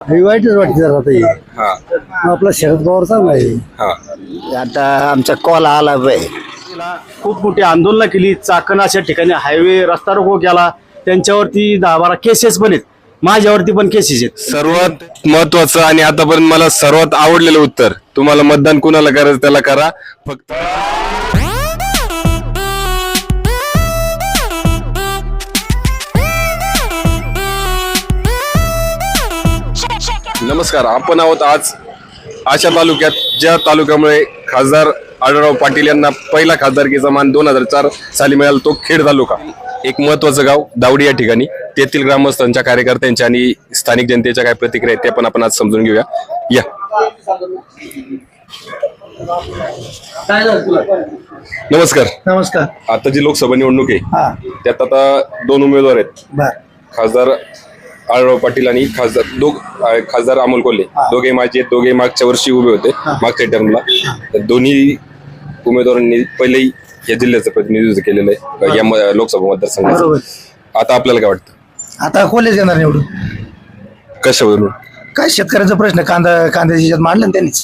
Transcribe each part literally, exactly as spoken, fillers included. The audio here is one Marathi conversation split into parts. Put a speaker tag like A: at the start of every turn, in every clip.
A: हे वाईटच वाटते जरा आता हे.
B: हा
A: मग आपला शरद पवार चांगला आहे.
B: हा
A: आता आमचा कॉल आला बाई.
C: खूप मोठी आंदोलनं केली. चाकण अशा ठिकाणी हायवे रस्ता रोको केला. त्यांच्यावरती दहा बारा केसेस पण आहेत. माझ्यावरती पण केसेस आहेत.
B: सर्वात महत्वाचं आणि आतापर्यंत मला सर्वात आवडलेलं उत्तर, तुम्हाला मतदान कुणाला करायचं त्याला करा, फक्त नमस्कार. आपण आहोत आज अशा तालुक्यात ज्या तालुक्यामुळे खासदार आढळराव पाटील यांना पहिला खासदारकीचा मान दोन हजार चार साली मिळाला, तो खेड तालुका. एक महत्वाचं गाव दावडी या ठिकाणी. तेथील ग्रामस्थांच्या, कार्यकर्त्यांच्या आणि स्थानिक जनतेच्या काय प्रतिक्रिया आहेत ते पण आपण आज समजून घेऊया. या नमस्कार.
A: नमस्कार.
B: आता जी लोकसभा निवडणूक आहे
A: हा
B: त्यात आता दोन उमेदवार आहेत,
A: बर
B: खासदार आढळराव पाटील आणि खासदार दोघ खासदार अमोल कोल्हे. दोघे माझे आहेत, दोघे मागच्या वर्षी उभे होते मागच्या टर्मला. तर दोन्ही उमेदवारांनी पहिलेही या जिल्ह्याचं प्रतिनिधित्व केलेलं आहे या म- लोकसभा मतदारसंघाचं. आता आपल्याला काय वाटतं,
A: आता कोल्हेच येणार निवडून.
B: कशावरून?
A: काय शेतकऱ्याचा प्रश्न कांदा कांद्याच्या ह्याच्यात मांडला ना त्यांनीच.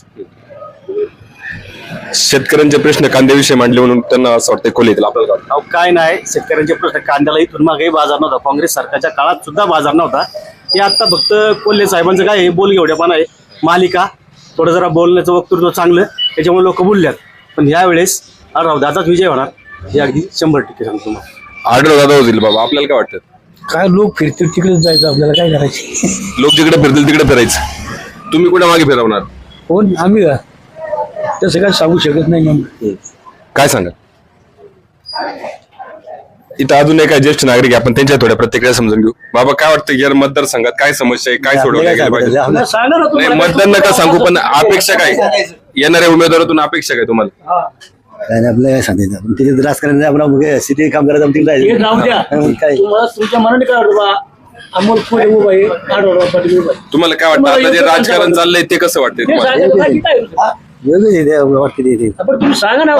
B: शेतकऱ्यांचे प्रश्न कांद्याविषयी मांडले म्हणून त्यांना असं वाटतं कोल्हे येतील. आपल्याला काय वाटतं?
C: अहो, काय नाही, शेतकऱ्यांचे प्रश्न कांद्याला इथून मागेही बाजार नव्हता. काँग्रेस सरकारच्या काळात सुद्धा बाजार नव्हता. हे आता फक्त कोल्हे साहेबांचं काय आहे, बोल घेवड्यापणा आहे. मालिका थोडं जरा बोलण्याचं वक्तृत्व चांगलं, त्याच्यामुळे लोक बोलल्यात. पण यावेळेस आढळराव दादाच विजय होणार हे अगदी शंभर टक्के सांगतो तुम्हाला.
B: आढळराव दादा होतील बाबा. आपल्याला काय वाटतं?
A: काय लोक फिरतील तिकडेच जायचं, आपल्याला काय करायचे.
B: लोक जिकडे फिरतील तिकडे फिरायचं. तुम्ही कुठे मागे फिरवणार?
A: कोण आम्ही का तसं काय सांगू शकत नाही. मग
B: काय सांगा. इथं अजून एक ज्येष्ठ नागरिक आहे, आपण त्यांच्या थोड्या प्रतिक्रिया समजून घेऊ. बाबा काय वाटतं या मतदारसंघात काय समस्या आहे, काय सोडवल्या गेल्या पाहिजे?
C: सांगा ना
B: नाही,
C: तुम्हाला.
B: मतदान नका सांगू, पण अपेक्षा काय येणाऱ्या उमेदवारातून अपेक्षा काय तुम्हाला?
A: काय नाही, आपल्याला काय सांगायचं. तिथे राजकारण आपण सिटी काम करायचं तिथे
C: हे
A: जायचं.
C: जाऊ द्या.
A: मग काय
C: तुम्हाला तुमच्या मनाने काय वाटतं बा? अमोल कोल्हे उभा आहे, आढळराव पाटील उभा आहे.
B: तुम्हाला काय वाटतं आता जे राजकारण चाललंय ते कसं वाटतंय
C: हे
B: तुम्हाला?
C: सांगायचं बाकी काय होतं?
A: हा, वेगळंच आहे ते, वाटते ते- ते.
C: आपण तुम्ही सांगा ना.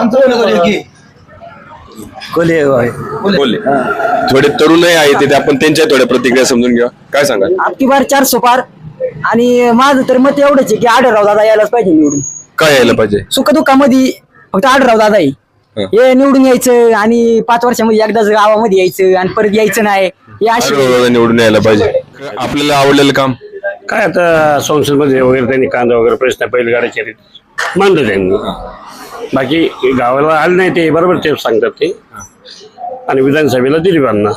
A: कोल्हे होय.
B: बोलले थोडे तरुणही आहेत तिथे, आपण त्यांच्या थोड्या प्रतिक्रिया समजून घ्या. काय सांगा.
D: आपकी बार चार सुपार. आणि माझं तर मत एवढंच आहे की आढळराव दादा यायलाच पाहिजे निवडून.
B: काय यायला पाहिजे?
D: सुखदुःखामध्ये फक्त आढळराव दादा आहे. हे निवडून यायचं आणि पाच वर्षामध्ये एकदाच गावामध्ये यायचं आणि परत यायचं नाही. हे अशी
B: आढळराव निवडून यायला पाहिजे. आपल्याला आवडलेलं काम
E: काय आता संसदमध्ये वगैरे त्यांनी कांदा वगैरे प्रश्न बैलगाड्याचे मांडलं त्यांनी. बाकी गावाला आले नाही ते बरोबर ते सांगतात ते. आणि विधानसभेला दिलीपांना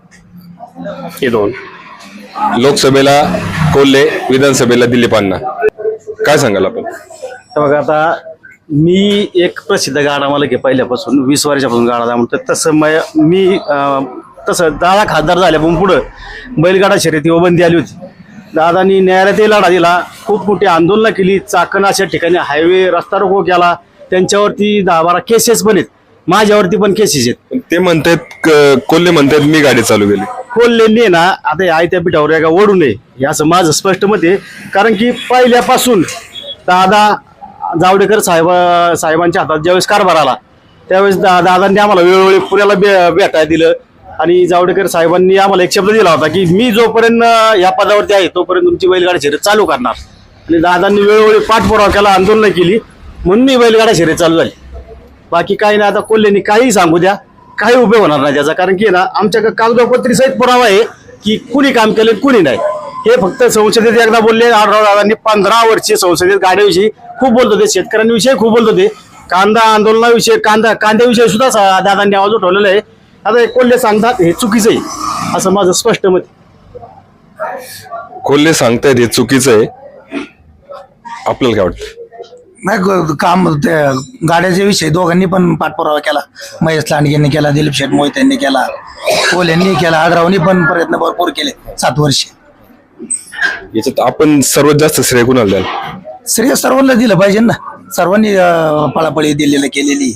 E: हे दोन.
B: लोकसभेला कोल्हे, विधानसभेला दिलीपांना. काय सांगाल आपण?
C: तर बघा, आता मी एक प्रसिद्ध गाडा मला घे पहिल्यापासून वीस वर्षापासून गाडा म्हणतो. तसं मै- मी अं, तसं दादा खासदार झाल्यापासून पुढं बैलगाडा शर्यतीवर बंदी आली होती. दादानी न्यायालयातही लढा दिला. खूप मोठी आंदोलनं केली. चाकण अशा ठिकाणी हायवे रस्ता रोको केला. त्यांच्यावरती दहा बारा केसेस पण आहेत. माझ्यावरती पण केसेस आहेत.
B: पण ते म्हणतात क- कोल्हे म्हणतात मी गाडी चालू केली.
C: कोल्हेंनी ना आता हे आयत्या पिठावर एका ओढू नये हे असं माझं स्पष्ट मत आहे. कारण की पहिल्यापासून दादा जावडेकर साहेब साहेबांच्या हातात ज्यावेळेस कारभार आला त्यावेळेस दा दादांनी आम्हाला वेळोवेळी पुण्याला बे भेटायला दिलं. आणि जावडेकर साहेबांनी आम्हाला एक शब्द दिला होता की मी जोपर्यंत या पदावरती आहे तोपर्यंत तुमची बैलगाडी शर्यत चालू करणार. आणि दादांनी वेळोवेळी पाठपुरावा केला, आंदोलन केली, म्हणून ही बैलगाडा शर्यत चालू झाली. बाकी काही नाही. आता कोल्हेंनी काही सांगू द्या, काही उपयोग होणार नाही त्याचा. कारण की ना आमच्याकडे कागदोपत्री सहित पुरावा आहे की कुणी काम केले कुणी नाही. हे फक्त संसदेत एकदा बोलले. आढळराव दादांनी पंधरा वर्षे संसदेत गाड्याविषयी खूप बोलत होते, शेतकऱ्यांविषयी खूप बोलत होते, कांदा आंदोलनाविषयी, कांदा कांद्याविषयी सुद्धा सा- दादांनी आवाज उठवलेला आहे. आता हे कोल्हे सांगतात हे चुकीचं आहे असं माझं स्पष्ट मत आहे.
B: कोल्हे सांगतायत हे चुकीचं आहे. आपल्याला काय वाटतं?
A: नाही ग- काम ते गाड्याच्या विषयी दोघांनी पण पाठपुरावा केला. महेश लांडगेंनी केला, दिलीप शेठ मोहित यांनी केला, कोल्हेंनी केला, आढळरावनी पण प्रयत्न भरपूर केले सात वर्ष.
B: याच्यात आपण सर्वात जास्त श्रेय कुणाला द्याल?
A: श्रेय सर्वांना दिलं पाहिजे ना. सर्वांनी अं, पळापळी दिलेलं केलेली.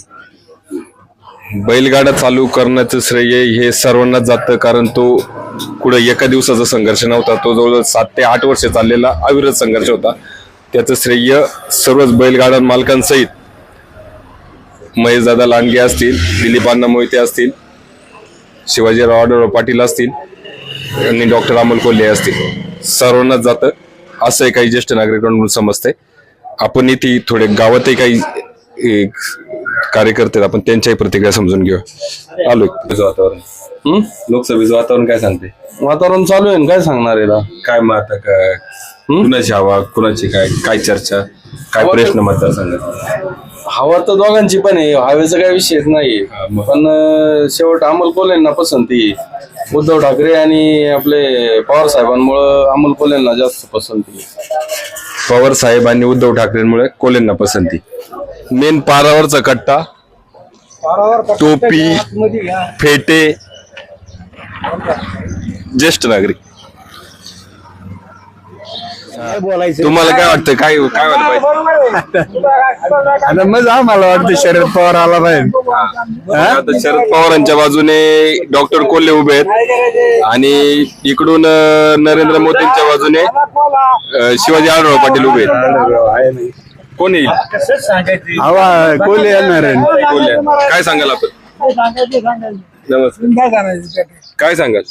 B: बैलगाडा चालू करण्याचं श्रेय हे सर्वांनाच जातं, कारण तो कुठं एका दिवसाचा संघर्ष नव्हता. तो जवळजवळ सात ते आठ वर्ष चाललेला अविरत संघर्ष होता. त्याचं श्रेय सर्वच बैलगाडा मालकांसहित महेशदादा लांडगे असतील, दिलीपांना मोहिते असतील, शिवाजीराव आढळराव पाटील असतील आणि डॉक्टर अमोल कोल्हे असतील, सर्वांनाच जातं. असं काही ज्येष्ठ नागरिकांकडून समजतंय. आपण इथे थोडे गावातही काही एक कार्यकर्ते आहेत, आपण त्यांच्याही प्रतिक्रिया समजून घेऊ. आलोय वातावरण हम्म लोकसभेचं वातावरण काय सांगते?
F: वातावरण चालू आहे ना, काय सांगणार आहे ना?
B: काय मग आता काय कुणाची हवा कुणाची काय काय चर्चा काय प्रश्न मतदारसंघात?
F: हवा तर दोघांची पण आहे, हवेचा काही विषयच नाही. पण अं, शेवट अमोल कोल्हेंना पसंती. उद्धव ठाकरे आणि आपले पवार साहेबांमुळं अमोल कोल्हेंना जास्त पसंती.
B: पवार साहेब आणि उद्धव ठाकरेंमुळे कोल्हेंना पसंती. मेन पारावरचा कट्टा, टोपी, फेटे, ज्येष्ठ नागरिक. तुम्हाला काय वाटतं? काय काय व्हायला पाहिजे?
C: आता मग आम्हाला वाटतं शरद पवार आला पाहिजे.
B: आता शरद पवारांच्या बाजूने डॉक्टर कोल्हे उभे आहेत आणि इकडून अं, नरेंद्र मोदींच्या बाजूने अं, शिवाजी आढळराव पाटील उभे आहेत. कोण येईल?
C: हवा कोल्हे येणार आहे.
B: कोल्हे. काय सांगाल आपण? नमस्कार. काय सांगाल?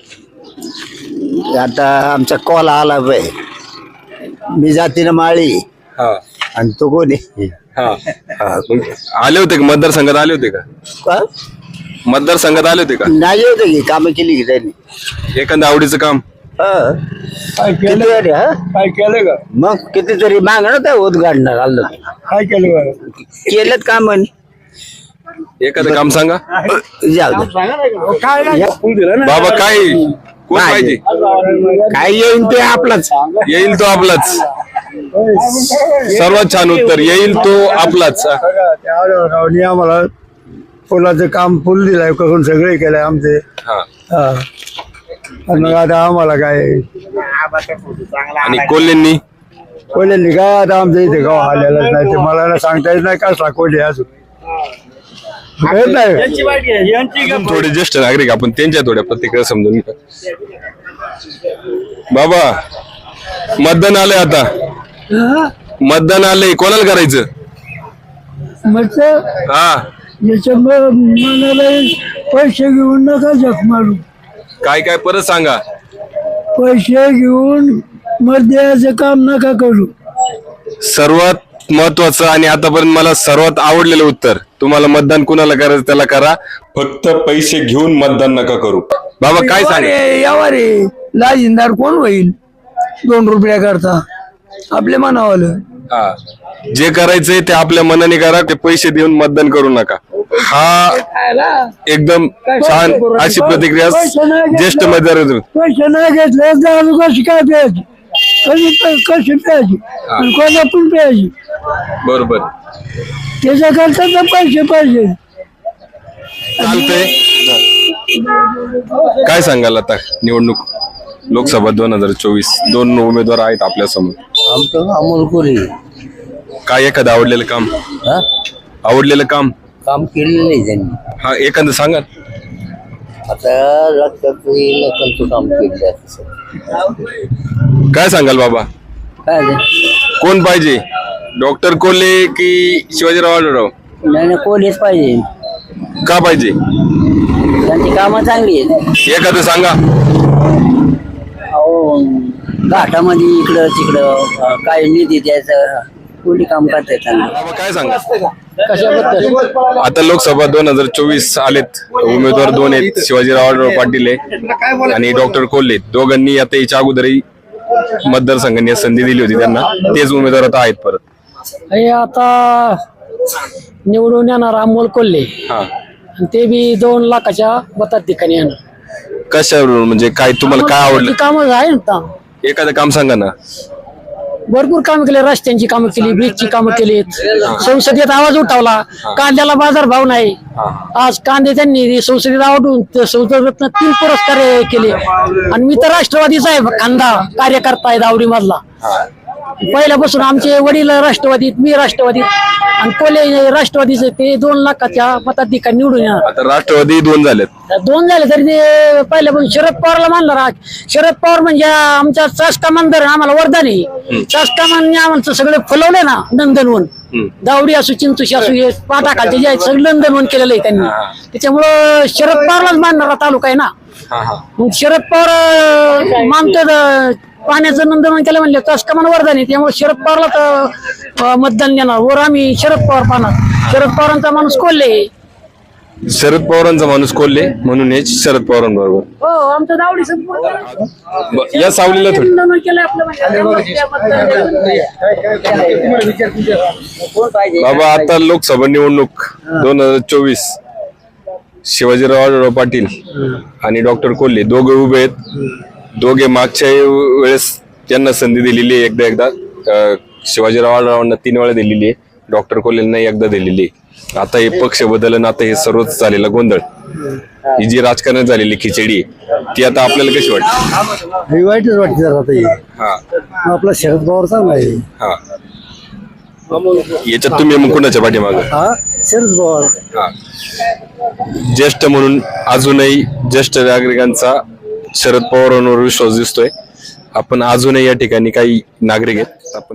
G: आता आमचा कॉल आला बाय, मी जातीनं माळी
B: हा
G: आणि तो कोण आहे?
B: हा हा. मग आले होते का मतदारसंघात? आले होते का
G: का?
B: मतदारसंघात आले होते का?
G: नाही होतं की कामं केली की त्यांनी?
B: एखादं आवडीचं काम?
G: हं. किती तरी, हं?
C: काय केलं का?
G: मग कितीतरी मागणं तर उद्घाटणार आलं.
C: काय केलं?
G: केलं काम
B: एखादं काम सांगा
G: जाऊ दे.
B: बाबा. काय कोण पाहिजे?
G: काय येईन ते आपलाच.
B: येईल तो आपलाच. सर्वात छान उत्तर. येईल तो आपलाच.
C: रावणी आम्हाला पुलाचं काम पूल दिलाय, करून सगळे केलंय आमचे.
B: हा.
C: हा. आणि मग आता आम्हाला काय
B: आणि कोल्हेंनी
C: कोल्हे काय आता आमच्या इथे गाव आलेलाच नाही, ते मला ना सांगता येत नाही कसला कोल्हे अजून येत नाही.
B: थोडे ज्येष्ठ नागरिक आपण त्यांच्या थोड्या प्रतिक्रिया समजून घेऊ. बाबा, मतदान आलंय आता. मतदान आलंय, कोणाला करायचं? हा.
H: मनाला पैसे घेऊन नका जप मारू.
B: काय काय परत सांगा.
H: पैसे घेऊन मत द्यायचं काम नका करू.
B: सर्वात महत्वाचं आणि आतापर्यंत मला सर्वात आवडलेलं उत्तर, तुम्हाला मतदान कुणाला करायचं त्याला करा, फक्त पैसे घेऊन मतदान नका करू. बाबा काय सांगा.
H: यावर रे लाजिंदार कोण होईल दोन रुपया करता? आपल्या मनावालं.
B: हा. जे करायचंय ते आपल्या मनाने करा, ते पैसे देऊन मतदान करू नका. हा एकदम छान अशी प्रतिक्रिया ज्येष्ठ मतदार.
H: पैसे नाही घेतले दारू कशी काय प्यायची? कशी कशी प्यायची आणि कोणा पण प्यायची?
B: बरोबर.
H: त्याच्याकरता तर पैसे पाहिजे.
B: चालतंय. काय सांगाल आता? निवडणूक लोकसभा दोन हजार चोवीस, दोन उमेदवार आहेत आपल्या समोर.
G: आमचं अमोल कोल्हे
B: काय एखादं आवडलेलं काम? आवडलेलं काम
G: काम केलेलं नाही त्यांनी.
B: हा एखादं सांगा.
G: आता लक्षात येईल त्यांचं काम केलं.
B: काय सांगाल बाबा?
G: काय ते?
B: कोण पाहिजे? डॉक्टर कोल्हे की शिवाजीराव आढळराव?
G: नाही नाही, कोल्हेच पाहिजे.
B: का पाहिजे?
G: त्यांची कामं चांगली आहेत.
B: एखादं सांगा.
G: अहो घाटामध्ये इकडं तिकडं काय निधी द्यायचं, कोणी काम करताय चांगलं.
B: बाबा काय सांगा. आता लोकसभा दोन हजार चोवीस आलेत. उमेदवार दोन आहेत, शिवाजीराव आढळराव पाटील आहे आणि डॉक्टर कोल्हे. दोघांनी आता याच्या अगोदरही मतदारसंघांनी संधी दिली होती त्यांना, तेच उमेदवार आता आहेत परत.
H: हे आता निवडून येणार अमोल कोल्हे,
B: हा.
H: आणि ते बी दोन लाखाच्या मतात ठिकाणी येणार.
B: कशावरून म्हणजे काय तुम्हाला काय आवडलं?
H: कामं आहे ना,
B: एखादं काम सांगा ना.
H: भरपूर कामं केली. रस्त्यांची कामं केली, ब्रिजची कामं केली. संसदेत आवाज उठवला. कांद्याला बाजार भाव नाही. आज कांदे त्यांनी संसदेत आवडून संसदेत तीन पुरस्कार केले. आणि मी तर राष्ट्रवादीचा आहे, कांदा कार्यकर्ता आहे दावडी मधला. पहिल्यापासून आमचे वडील राष्ट्रवादीत, मी राष्ट्रवादीत आणि कोल्हे राष्ट्रवादीचे. ते दोन लाखाच्या मताधिकार निवडून येणार.
B: आता राष्ट्रवादी दोन झालेत.
H: दोन झाले तरी ते पहिल्यापासून शरद पवारला मानणार. शरद पवार म्हणजे आमच्या चासका मंदिर आम्हाला वरदान आहे. चासका मानने आम्हाला सगळे फुलवले ना नंदनवन. दावडी असू, चिंचुशी असू, हे पाटाखालचे जे आहेत सगळं नंदनवन केलेलं आहे त्यांनी. त्याच्यामुळं शरद पवारलाच मानणारा तालुका आहे ना. मग शरद पवार मानतो पाण्याचं नंदनवन केलं म्हणलं तस कमान वरदान आहे. त्यामुळे शरद पवारला तर अं, मतदान देणार. वर आम्ही शरद पवार पाहणार. शरद पवारांचा माणूस कोल्हे.
B: शरद पवारांचा माणूस कोल्हे म्हणून हे शरद पवारांबरोबर.
H: हो आमचं दावडी संपूर्ण
B: ब- या सावलीला थोडी
H: नंदनवन केलं आपलं म्हणजे.
B: बाबा आता लोकसभा निवडणूक दोन हजार चोवीस शिवाजीराव आढळराव पाटील आणि डॉक्टर कोल्हे दोघे उभे आहेत. दोघे मागच्या वेळेस त्यांना संधी दिलेली आहे एकदा एकदा. अं, शिवाजीराव आढळरावांना तीन वेळा दिलेली आहे, डॉक्टर कोल्हेंना एकदा दिलेली आहे. आता हे पक्ष बदलन, आता हे सर्वच झालेला गोंधळ, ही जी राजकारणात झालेली खिचडी आहे ती आता आपल्याला कशी वाटते?
C: वाईटच वाटते जरा आता हे.
B: हा
C: आपला शरद पवार चांगला आहे.
B: हा याच्यात तुम्ही मग कुणाच्या पाठीमागं?
C: हा शरद पवार.
B: हा. ज्येष्ठ म्हणून अजूनही ज्येष्ठ नागरिकांचा शरद पवारांवर विश्वास दिसतोय. आपण अजूनही या ठिकाणी काही नागरिक आहेत, आपण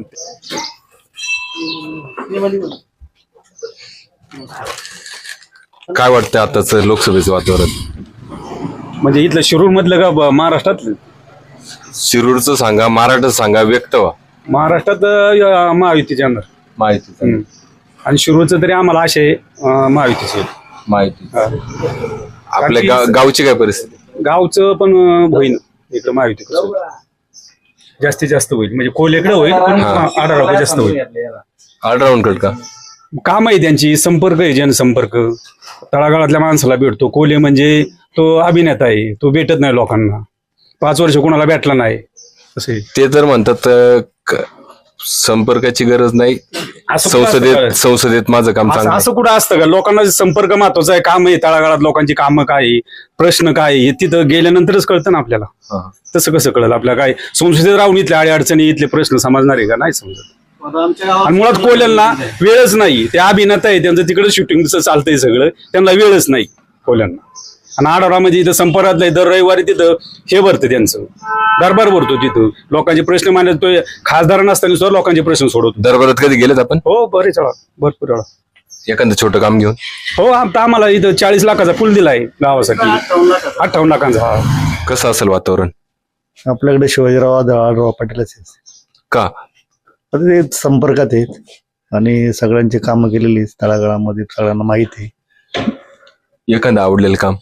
B: काय वाटतं आताच लोकसभेचं वातावरण?
C: म्हणजे इथलं शिरूर मधलं का ब- महाराष्ट्रातलं?
B: शिरूरचं सांगा, महाराष्ट्रात सांगा, व्यक्त व्हा.
C: महाराष्ट्रात अं, महायुतीच्या अंदर.
B: माहिती
C: आणि शिरूरचं तरी आम्हाला असे महायुतीचे.
B: माहिती आपल्या गा- गावची काय परिस्थिती?
C: गावचं पण अं, होईल इकडं महायुती कसं होईल. जास्तीत जास्त होईल म्हणजे कोलेकडे होईल पण आढळराव जास्त होईल.
B: ऑलराऊंड कट का?
C: काम आहे त्यांची, संपर्क आहे, जनसंपर्क. तळागाळातल्या माणसाला भेटतो. कोले म्हणजे तो अभिनेता आहे, तो भेटत नाही लोकांना. पाच वर्ष कोणाला भेटला नाही असे.
B: ते तर म्हणतात अं, क- संपर्काची गरज नाही,
C: असं कुठं असतं
B: संसदेत
C: का?
B: संसदेत माझं काम
C: असं
B: चांगलं
C: असं कुठं असतं का? लोकांना संपर्क महत्वाचा आहे. काम आहे, तळागाळात लोकांची कामं काय आहे, प्रश्न काय आहे, हे तिथं गेल्यानंतरच कळतं ना आपल्याला.
B: हा.
C: तसं कसं कळलं आपल्याला? काय संसदेत राहून इथल्या अडी अडचणी, इथले प्रश्न समजणार आहे का? नाही समजत. आणि मुळात कोल्यांना वेळच नाही. ते अभिनेता आहे, त्यांचं तिकडे शूटिंग चालतंय सगळं, त्यांना वेळच नाही कोल्यांना. आणि आढळरामध्ये इथं संपर्कात नाही. दर रविवारी तिथं हे भरतं, त्यांचं दरबार भरतो. तिथं लोकांचे प्रश्न मांडतो. खासदार नसताना सुद्धा लोकांचे प्रश्न सोडवतो.
B: दरबारात कधी गेलेत आपण?
C: हो बरेच वेळा, भरपूर वेळा.
B: एखादं छोटं काम घेऊन?
C: हो आता आम्हाला इथं चाळीस लाखाचा पूल दिलाय गावासाठी. अठ्ठावन्न लाखांचा. हा.
B: कसं असेल वातावरण?
C: आपल्याकडे शिवाजीराव आढळराव पाटीलच आहेत.
B: का?
C: आता ते संपर्कात आहेत आणि सगळ्यांची कामं केलेली आहेत तळागाळामध्ये, सगळ्यांना माहिती आहे.
B: एखादं आवडलेलं काम?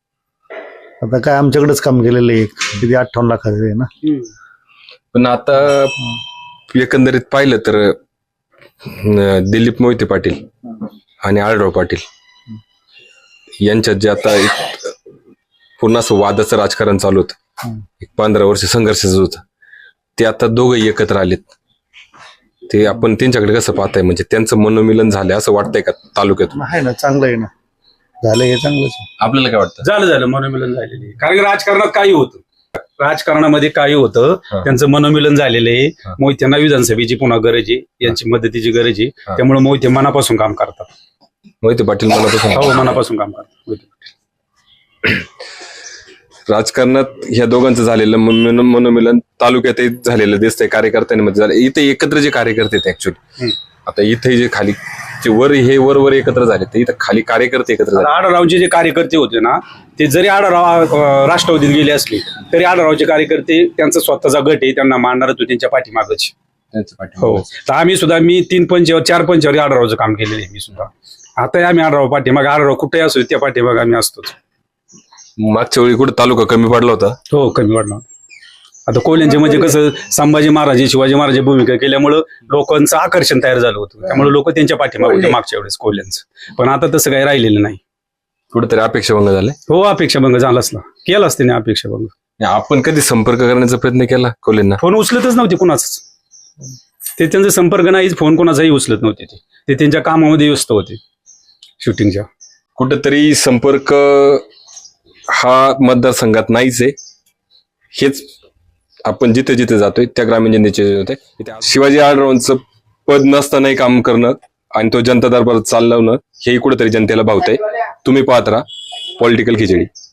C: आता काय आमच्याकडेच काम केलेलं आहे, किती अठ्ठावन्न लाखाचं आहे ना.
B: पण आता एकंदरीत पाहिलं तर अं, दिलीप मोहिते पाटील आणि आढळराव पाटील यांच्यात जे आता एक पूर्ण असं वादाचं राजकारण चालू होतं, एक पंधरा वर्ष संघर्षाचं होतं, ते आता दोघंही एकत्र आलेत. ते आपण त्यांच्याकडे कसं पाहताय? म्हणजे त्यांचं मनोमिलन झालंय असं वाटतंय का तालुक्यातून?
C: आहे ना, चांगलं आहे ना, झालं हे चांगलंच आहे.
B: आपल्याला काय वाटतं?
C: झालं झालं मनोमिलन झालेलं आहे. कारण की राजकारणात काही होतं, राजकारणामध्ये काही होतं, त्यांचं मनोमिलन झालेलं आहे. मोहित्यांना विधानसभेची पुन्हा गरज आहे, यांची मदतीची गरज आहे. त्यामुळे मोहिते मनापासून काम करतात.
B: मोहिते पाटील मनापासून
C: हो मनापासून काम करतात मोहिते पाटील.
B: राजकारणात ह्या दोघांचं झालेलं मन- मनोमिलन तालुक्यातही झालेलं दिसतंय, कार्यकर्त्यांमध्ये झालं. इथे एकत्र जे कार्यकर्ते आहेत ऍक्च्युली, आता इथे जे खाली जे वर हे वर वर एकत्र झाले, ते इथं खाली कार्यकर्ते एकत्र झाले.
C: आढळरावचे जे कार्यकर्ते होते ना, ते जरी आढळराव अं, राष्ट्रवादीत गेले असले तरी आढळरावचे कार्यकर्ते त्यांचा स्वतःचा गट आहे, त्यांना मांडणार होते त्यांच्या पाठीमागच. हो तर आम्ही सुद्धा, मी तीन पंचावर चार पंचावर आढळरावचं काम केलेलं आहे मी सुद्धा. आता आम्ही आढळराव पाठीमाग, आढळराव कुठेही असो त्या पाठीमाग आम्ही असतोच.
B: मागच्या वेळी कुठे तालुका कमी पडला होता?
C: हो कमी वाढला. आता कोल्यांचे म्हणजे कसं, संभाजी महाराज शिवाजी महाराज भूमिका केल्यामुळं लोकांचं आकर्षण तयार झालं होतं, त्यामुळे लोक त्यांच्या पाठीमागे होते मागच्या वेळेस कोल्यांचं. पण आता तसं काही राहिलेलं नाही.
B: कुठेतरी अपेक्षाभंग झाले?
C: हो अपेक्षाभंग झालाच ना, केलाच त्याने अपेक्षाभंग.
B: आपण कधी संपर्क करण्याचा प्रयत्न केला कोल्हेंना?
C: फोन उचलतच नव्हते कुणाचाच. ते त्यांचा संपर्क नाहीच, फोन कोणाचाही उचलत नव्हते. ते ते त्यांच्या कामामध्ये व्यस्त होते शूटिंगच्या.
B: कुठेतरी संपर्क हा मतदारसंघात नाहीच आहे. हेच आपण जिथे जिथे जातोय त्या ग्रामीण जनतेचे होते. शिवाजी आढळरावांचं पद नसतानाही काम करणं आणि तो जनता दरबारात चालवणं, हेही कुठेतरी जनतेला भावतंय. तुम्ही पाहत राहा पॉलिटिकल खिचडी.